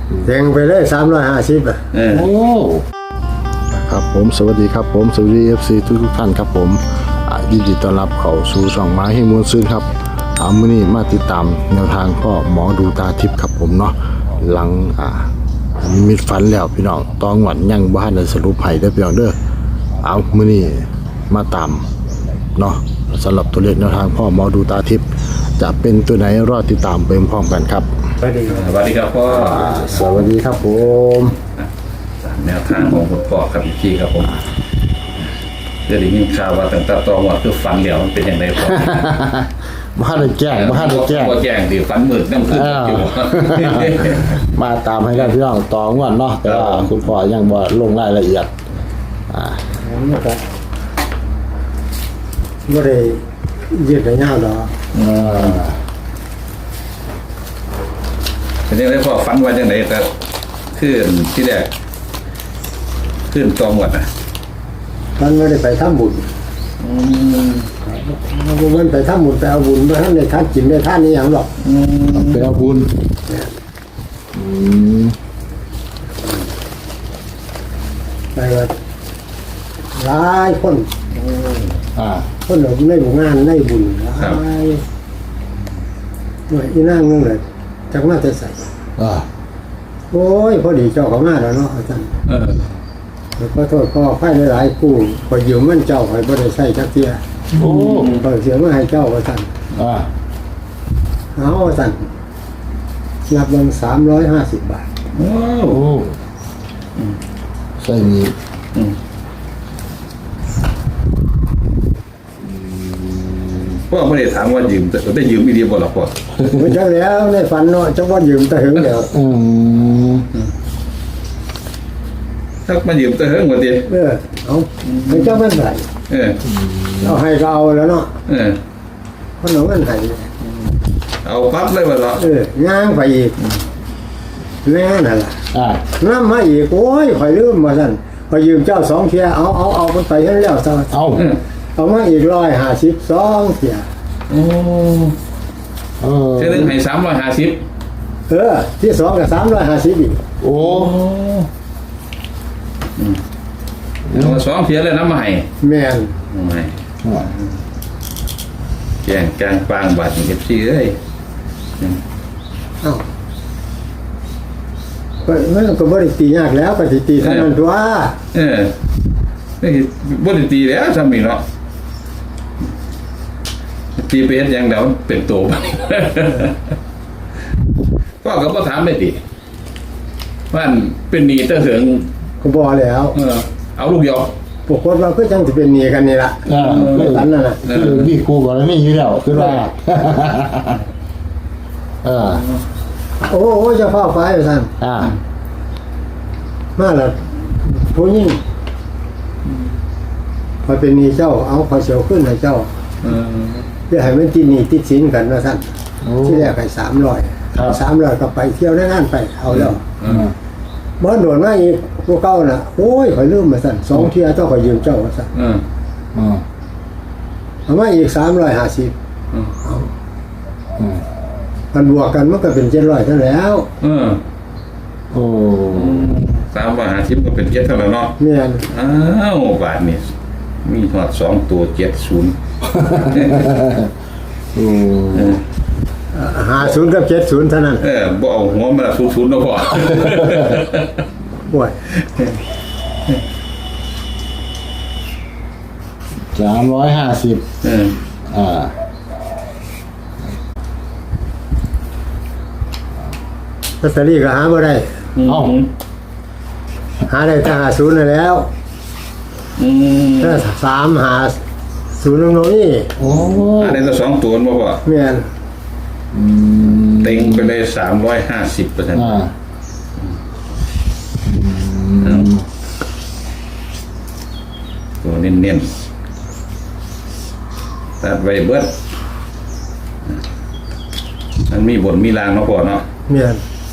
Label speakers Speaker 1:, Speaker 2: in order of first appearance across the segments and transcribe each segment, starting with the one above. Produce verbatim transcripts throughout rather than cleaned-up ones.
Speaker 1: แทงไปเลยสามร้อยห้าสิบอ่ะ
Speaker 2: เออ
Speaker 3: โอ้ครับผมสวัสดีครับผมสวัสดี เอฟ ซี ทุกทุกท่านครับผมอ่ายินดีต้อนรับเข้าสู่ช่องไม้ให้มวลซื่นครับเอามื้อนี้มาติดตามแนวทางพ่อหมอดูตาทิพย์ครับผมเนาะหลังอ่านิมิตฝันแล้วพี่น้องตองหวัดยังบ่ทันได้สรุปให้เด้อพี่น้องเด้อเอามื้อนี้มาตามเนาะสำหรับตัวเลขแนวทางพ่อหมอดูตาทิพย์จะเป็นตัวไหนรอติดตามไปพร้อมกันครับ
Speaker 1: สวัสดีครับ
Speaker 2: สวัสดีครับพ่อ
Speaker 3: สวัสดีครับผม
Speaker 2: ตามแนวทางของคุณพ่อครับพี่จี้ครับผมเดี๋ยวได้ยินข่าวว่าตั้งแต่ตอนว่าคือฟันเหลียวมันเป็นอย่างไรพ่อ
Speaker 3: บ้านได้แจ้งบ้านได้แจ้ง
Speaker 2: บ่แจ้งดิฟันมืดน้ำขึ้นอยู่
Speaker 3: มาตามให้ได้พี่น้องต่องวดเนาะแต่ว่าคุณพ่อยังบ่ลงรายละเอียดอ่า
Speaker 1: ผมก็ไม่ได้ยืดระยะหรอก
Speaker 3: เอ่อ
Speaker 2: เป็นยังไงพ่อฟันว่าจังไหนแต่ขึ้นที่แรกขึ้นตองหมดอ่ะ
Speaker 1: มันไม่ได้ไปทำบุญมันไปทำบุญไปเอาบุญไปท่านในท่านกินในท่านนี้อย่างหรอก
Speaker 3: ไปเอาบุญอืม
Speaker 1: ไปว่าหลายคน
Speaker 3: อ่า
Speaker 1: คนหลงในบุญงานในบุญหลายหน่วยอีนั่งนึงเลยจักมาจะใส่
Speaker 3: อ่า
Speaker 1: โอ้ยพอดีเจ้าเขามาแล้วเนาะอาจารย์
Speaker 2: เออ
Speaker 1: ขอโทษก็ไฟหลายๆกู้คอยยืมมันเจ้าคอยบ่ได้ใช้จักเทีย
Speaker 3: โอ้
Speaker 1: คอยเสียมาให้เจ้าอาจารย์
Speaker 3: อ่า
Speaker 1: เอาอาจารย์นับเงินสามร้อยห้าสิบบาท
Speaker 2: โอ้
Speaker 3: โอ้ใส่มี
Speaker 2: อืมพ่อไม่ได้ถามว่ายืมแต่ได้ยืมอีเดียบ่หรอพ่อ
Speaker 1: ไม่ใช่แล้วในฝันเนาะจังว่ายืมแต่ถึงเดี๋ยว
Speaker 3: อืม
Speaker 2: ถ้ามายืมแต่เฮิงกว่าดี
Speaker 1: เออเอาให้เจ้ามันใส่
Speaker 2: เออ
Speaker 1: เราให้ก็เอาแล้วเนาะ
Speaker 2: เออ
Speaker 1: เพราะหนูมันให้
Speaker 2: เอาปั๊บเลยบ่หรอ
Speaker 1: เออย่างไปอีกแม่นั่นล่ะ
Speaker 3: อ่า
Speaker 1: น้ำมาอีกโอ้ยข่อยลืมมาสั่นข่อยยืมเจ้าสองเทียเอาเอาเอามันไปให้แล้วซะ
Speaker 3: เอา
Speaker 2: เออ
Speaker 1: เอามาอีกร้อยห้าสิบสองเทีย
Speaker 2: โอ้
Speaker 3: เออ
Speaker 2: เท่านึงให้สามร้อยห้าสิบ
Speaker 1: เออที่สองกับสามร้อยห้าสิบอีก
Speaker 3: โอ้
Speaker 2: เอามาสองเทียเลยน้ำมาให้
Speaker 1: แม่น
Speaker 2: น้ำให้
Speaker 3: อ่า
Speaker 2: แกงกลางปางบาดเอฟซีเอ้ย
Speaker 1: เอ้าก็มันก็บ่ได้ตียากแล้วก็สิตีเท่านั้นตัว
Speaker 2: เออนี่บ่ได้ตีแล้วซ้ำนี่เนาะตีไปเฮ็ดหยังเดี๋ยวเป็นโตบัดนี้ พ่อก็บ่ถามได้ติว่าอันเป็นหนี้ตะเหิง
Speaker 1: ก็บ่แล้ว
Speaker 2: เออเอาลูกเดียว
Speaker 1: ปกติเราก็จังสิเป็นหนี้กันนี่ล่ะ
Speaker 3: อ่า
Speaker 1: ไม่ตันนั่นน่ะ
Speaker 3: คือพี่ครูก่อนนี่อยู่แล้วคือว่าเออ
Speaker 1: โอ้โหเจะเข้าไปท่าน
Speaker 3: อ่า
Speaker 1: มาแล้วผู้หญิงพอเป็นหนี้เจ้าเอาขอเสียวขึ้นให้เจ้า
Speaker 2: เออ
Speaker 1: เพื่อให้มันติดหนี้ติดสินกันว่าท่าน
Speaker 3: โอ้
Speaker 1: ที่แรกให้สามร้อย
Speaker 3: ครับ
Speaker 1: สามร้อยก็ไปเที่ยวได้งานไปเอาแล้ว
Speaker 2: เอ
Speaker 3: อ่า
Speaker 2: อ
Speaker 1: บ่โดนมาอีกพวกเก่าน่ะโอ้ยข่อยลืมมาสั่นสองเที่ยต้องข่อยยืมเจ้าว่าสั่น
Speaker 2: เออ
Speaker 3: อ่า
Speaker 1: เอามาอีกสามร้อยห้าสิบ
Speaker 2: เออ
Speaker 1: เอา
Speaker 3: อ่า
Speaker 1: มันบวกกันมันก็เป็นเจ็ดร้อยเท่าแล้ว
Speaker 2: เออ
Speaker 3: โอ้
Speaker 2: สามร้อยห้าสิบก็เป็นเจ็ดเท่านั้นเนาะ
Speaker 1: แม่น
Speaker 2: อ้าวบาทนี่มีหอดสองตัวเจ็ดศูนย์
Speaker 3: โอ้
Speaker 1: หาศูนย์กับเจ็ดศูนย์เท่านั้น
Speaker 2: เออบ่เอาหัวมาศูนย์ศูนย์แล้วพอ
Speaker 1: โอ้ย
Speaker 3: สามร้อยห้าสิบ
Speaker 2: เออ
Speaker 3: อ่า
Speaker 1: ลอตเตอรี่ก็หาบ่ได้
Speaker 3: เอ้า
Speaker 1: หาได้แต่หาศูนย์นั่นแล้ว
Speaker 2: อืม
Speaker 1: ถ้าสามหาศูนย์ตรงนี้
Speaker 3: โอ้
Speaker 2: อันนี้ก็สองตัวบ่พอ
Speaker 1: แม่น
Speaker 3: อืม
Speaker 2: เต็งไปเลยสามร้อยห้าสิบเปอร์เซ็นต์
Speaker 3: อ่า
Speaker 2: ตัวเน้นๆตัดไว้เบิดมันมีบนมีรางเนาะพอเนาะ
Speaker 1: แม่น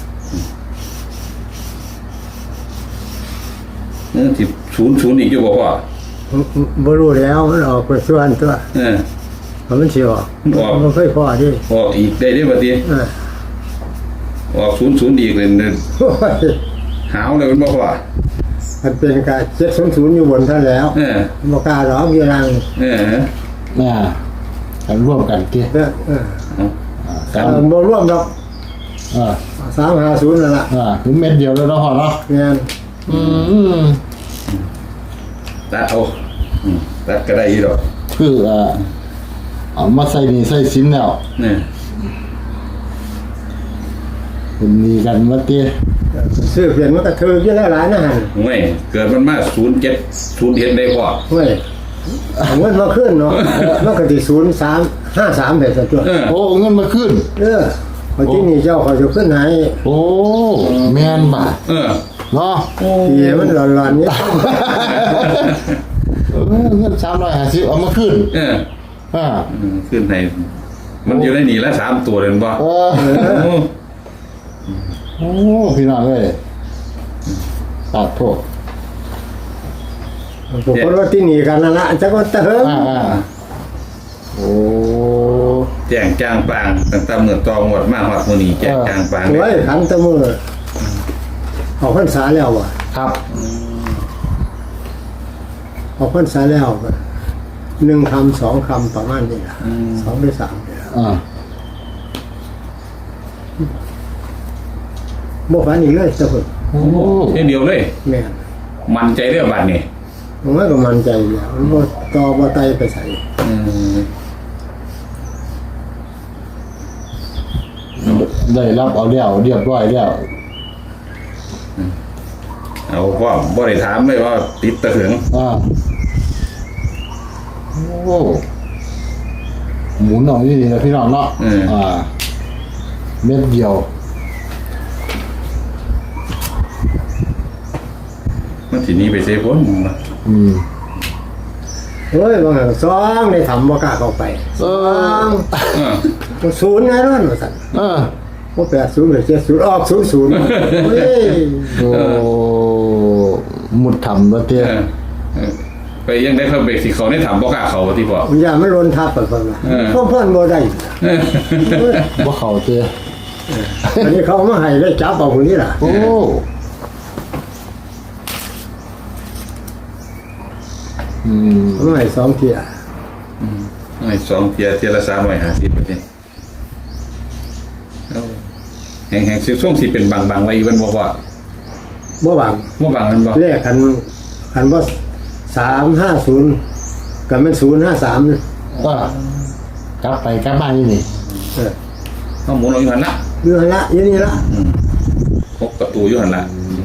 Speaker 2: เออสิศูนย์ศูนย์อีกอยู่บ่พอ
Speaker 1: บ่รู้แล้วมันออกไปส่วนตัว
Speaker 2: เออ
Speaker 1: เพราะมันสิออก
Speaker 2: ออก
Speaker 1: มันเคยพอดิ
Speaker 2: ออกอีกได้เด้อบัดนี้
Speaker 1: เออ
Speaker 2: อออกศูนย์ศูนย์อีกเลยเนี่ย
Speaker 1: โอ้ย
Speaker 2: หาวเลยมันบอกว่า
Speaker 1: มันเป็นการเจ็ดศูนย์ศูนย์อยู่บนท่านแล้ว
Speaker 2: เออ
Speaker 1: บอกกล้าหรอกยี่รัง
Speaker 2: เออ
Speaker 3: น่ากันร่วมกันเกี่ย
Speaker 1: เออเออ
Speaker 3: กัน
Speaker 1: เออบ่ร่วมดอก
Speaker 3: อ่า
Speaker 1: สามห้าศูนย์นั่นแหละ
Speaker 3: อ่าถึงเม็ดเดียวแล้วเนาะพ่อเนาะ
Speaker 1: เงี้ย
Speaker 3: อืม
Speaker 2: ตัดเอาอืมตัดก็ได้อีดอก
Speaker 3: คืออ่าเอามาใส่นี่ใส่สินแล้ว
Speaker 2: เนี่ย
Speaker 3: เป็นมีกันว่าเตี้ย
Speaker 1: ซื้อเปลี่ยนมันก็ถือเยอะหลายนะฮะ
Speaker 2: ห่วยเกิดมันมาศูนย์เจ็ดศูนย์เอ็ดได้พอ
Speaker 1: เฮ้ยเอาเงินมาขึ้นเนาะมันก็ที่ศูนย์สามห้าสามแบบตัว
Speaker 2: เออ
Speaker 3: โอ้เงินมาขึ้น
Speaker 1: เออพอที่นี่เจ้าเขาจะขึ้นให้
Speaker 3: โอ้แม่นบ่า
Speaker 2: เออ
Speaker 3: เนาะ
Speaker 1: ทีมันหลอนๆเนี่ย
Speaker 3: เออเงินสามร้อยห้าสิบเอามาขึ้น
Speaker 2: เออ
Speaker 3: อ่า
Speaker 2: อืมขึ้นในมันอยู่ในนี่ละสามตัวเลยบ่
Speaker 3: เออ
Speaker 2: โอ้
Speaker 3: โอ้พี่น้องเอ้ยตัดโทษ
Speaker 1: ผมก็ว่าที่นี่กันนั่นละจักว่าเติม
Speaker 3: อ่าอ่าโอ้
Speaker 2: แจ้งจ้างปางตั้งแต่เมื่อตองหมดมาหอดมื้อนี้แจ้งจ้างปาง
Speaker 1: โอ้ยขันแตะมือออกพรรษาแล้วว่ะ
Speaker 3: ครับ
Speaker 1: ออกพรรษาแล้วก็หนึ่งคำสองคำประมาณนี้ละสองหรือสามนี่ล่ะ
Speaker 3: อ่า
Speaker 1: บ่ฝันอีกเลยเจ้าเพิ่น
Speaker 3: โอ้
Speaker 2: เท่เดียวเลย
Speaker 1: แม่น
Speaker 2: มันใจเรื่องบัดนี่
Speaker 1: ผมว่าก็มั่นใจอยู่แล้วมันบ่ต่อบ่ไตไปใส่
Speaker 2: อืม
Speaker 3: ได้รับเอาแล้วเรียบร้อยแล้ว
Speaker 2: เอาพ่อบ่ได้ถามเลยว่าติดตะเหือง
Speaker 3: อ่าโอ้หมุนออกนี่ดีนะพี่น้องเนาะอ่าเม็ดเดียว
Speaker 2: มันสิหนี้ไปเซฟพ้น
Speaker 3: อืม
Speaker 1: เฮ้ยบางแห่งสองได้ทำบ่กล้าเข้าไป
Speaker 3: เออ
Speaker 2: เออ
Speaker 1: บ่ศูนย์ไงนั่นว่าซั่น
Speaker 3: เออ
Speaker 1: บ่แปดศูนย์หรือเจ็ดศูนย์ออกศูนย์ศูนย์เฮ้ย
Speaker 3: โอ้หมุดทำแล้วเตี้ย
Speaker 2: เออเออไปยังได้เข้าเบรกสิเขาได้ถามบ่กล้าเขาที่พ่อ
Speaker 1: มันอย่ามันลนทับไปเพิ่นว่า
Speaker 2: เออ
Speaker 1: เพิ่นเพิ่นบ่ได้
Speaker 2: เออ
Speaker 1: เฮ้ย
Speaker 3: ว่าเขาเตี้ย
Speaker 1: อันนี้เขาเอามาให้ได้จับเอาคนนี้ล่ะ
Speaker 3: โอ้อืม
Speaker 1: เอามาให้สองเที่ย
Speaker 2: ไอ้สองเทียเทียละสามร้อยห้าสิบไปนี่เอาแห่งแห่งสิช่วงสิเป็นบางบางๆไว้อีวันบอกว่า
Speaker 1: บ่หวัง
Speaker 2: ว่าบางนั้นบอก
Speaker 1: เลขคันคันว่าสามห้าศูนย์กับมันศูนย์ห้าสาม
Speaker 3: ก็กลับไปกลับมานี่นี่
Speaker 1: เออ
Speaker 2: เขาหมุนเอาอยู่หันละ
Speaker 1: อยู่หั่นละอยู่นี่ละ
Speaker 2: พกประตูอยู่หันละ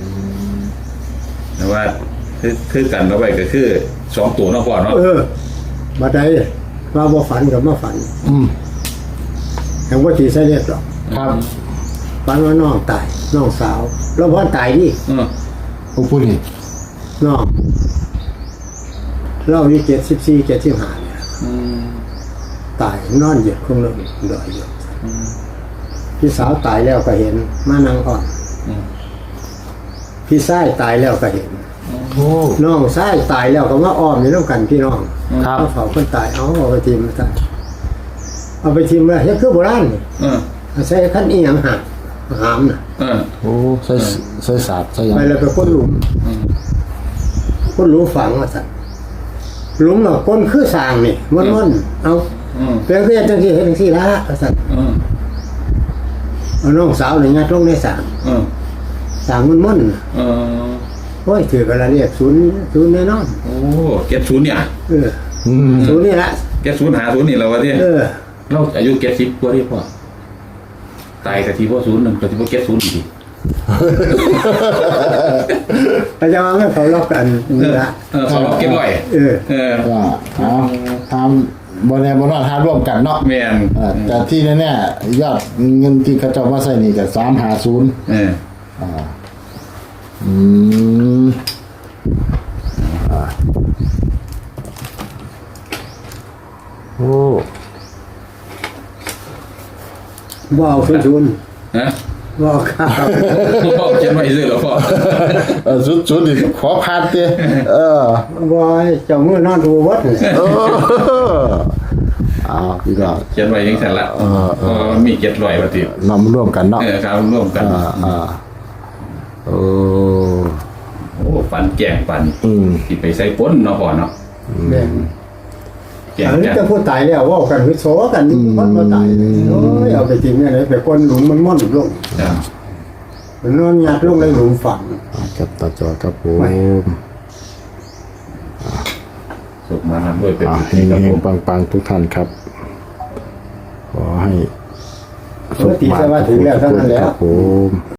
Speaker 2: แต่ว่าคือคือกันเอาไว้ก็คือสองตัวเนอกก่อนเนาะ
Speaker 1: เออบัดใดว่าบ่ฝันกับมาฝัน
Speaker 3: อืม
Speaker 1: แห่งว่าตีใส่เรียบหรอก
Speaker 3: ครับ
Speaker 1: ฝันว่าน้องตายน้องสาวแล้วพ่อตายดิ
Speaker 2: เออ
Speaker 3: โอ้พูดนี่
Speaker 1: น้องเราอายุเจ็ดสิบสี่เจ็ดสิบห้าเนี่ย
Speaker 2: อืม
Speaker 1: ตายนอนเหยียดคงเลยดอยอยู่พี่สาวตายแล้วก็เห็นมานั่งอ่อน
Speaker 2: อืม
Speaker 1: พี่ชายตายแล้วก็เห็น
Speaker 3: โอ้
Speaker 1: น้องชายตายแล้วก็มาอ้อมอยู่น้ำกันพี่น้อง
Speaker 3: ครับ
Speaker 1: เอาเผาคนตายเอาเอาไปทิมมาตายเอาไปทิมเลยเฮ็ดคือโบราณนี่
Speaker 2: เออ
Speaker 1: เอาใส่ขั้นอีหยังหักหามน่ะ
Speaker 2: เออ
Speaker 3: โอ้ใส่ใส่ศาสตร์ใส่หยัง
Speaker 1: ไปแล้วไปคนหลุม
Speaker 2: อืม
Speaker 1: คนหลุมฝังว่าสั่นหลุมเนาะคนคือสร้างนี่มันมันๆเอา
Speaker 2: อืม
Speaker 1: เพียงแค่จังซี่เฮ็ดจังซี่ละว่าสั่น
Speaker 2: เออ
Speaker 1: เอาน้องสาวนี่ยัดลงในสร้าง
Speaker 2: เออ
Speaker 1: สร้างมันมันๆน่ะ
Speaker 2: เออ
Speaker 1: โอ้ยถือกันละเรียกศูนย์ศูนย์แน่นอน
Speaker 2: โอ้เก็ตศูนย์เนี่ย
Speaker 1: เออ
Speaker 3: อืม
Speaker 1: ศูนย์นี่ละ
Speaker 2: เก็ตศูนย์หาศูนย์นี่แล้ววะเนี่ย
Speaker 1: เออ
Speaker 2: เราอายุเก็ตสิบกว่าที่พ่อตายกับที่พ่อศูนย์หนึ่งกับที่พ่อเก็ตศูนย์อีก
Speaker 1: อาจารย์ว่าเขาล็อกกันนี่ละ
Speaker 2: เออเขาเราเก็ตร้อย
Speaker 1: เออ
Speaker 2: เออ
Speaker 3: ว่าเอาทำบอลแนบอลนอนหาร่วมกันเนาะ
Speaker 2: แมน
Speaker 3: อ่าแต่ที่แน่ๆยอดเงินที่เขาเจ้ามาใส่นี่กับสามหาศูนย์
Speaker 2: เออ
Speaker 3: อ่าอืมอ่าโอ้
Speaker 1: บ่เอาศูนย์ศูนย์
Speaker 2: ฮะ
Speaker 1: บ่เอาข้าว
Speaker 2: พ่อเขียนไว้ซื้อเหรอพ่อ
Speaker 3: เออสุดสุดดิขอพาดเต้เออ
Speaker 1: บ่ให้เจ้ามือนอนดูวัดนี่
Speaker 3: เอออ้าวพี่น้อง
Speaker 2: เขียนไว้ยังสั่นละ
Speaker 3: เออเออ
Speaker 2: ก็มีเจ็ดร้อยบาทติ
Speaker 3: นำร่วมกันเนาะ
Speaker 2: เออครับร่วมกัน
Speaker 3: อ่าอ่าโอ้
Speaker 2: โอ้ฟันแกงปัน
Speaker 3: อืม
Speaker 2: ที่ไปใส่ป้นเนาะพ่อเนาะ
Speaker 1: แม่น
Speaker 2: แกง
Speaker 1: อันนี้
Speaker 2: จัด
Speaker 1: จะพูดตายแล้วว่ากันวิโสกันมันมาตายโอ้ยเอาไปทิ้งเนี่ยเลยไปก้นหลุมมันม่อนลง
Speaker 2: ครับ
Speaker 1: มันนอนยัดลงในหลุมฝัง
Speaker 3: ครับตาจอครับผม
Speaker 2: สุกมาทำด้วยเป็น
Speaker 3: อ่า
Speaker 2: พิ
Speaker 3: เฮ
Speaker 2: ธี
Speaker 3: ง
Speaker 2: ครับ
Speaker 3: เฮ
Speaker 2: ผ
Speaker 3: ง
Speaker 2: ม
Speaker 3: ปังปังทุกท่านครับ ขอให้
Speaker 1: ปกติจะว่าถึงแล้วเท่านั้นแหละ
Speaker 3: ครับผม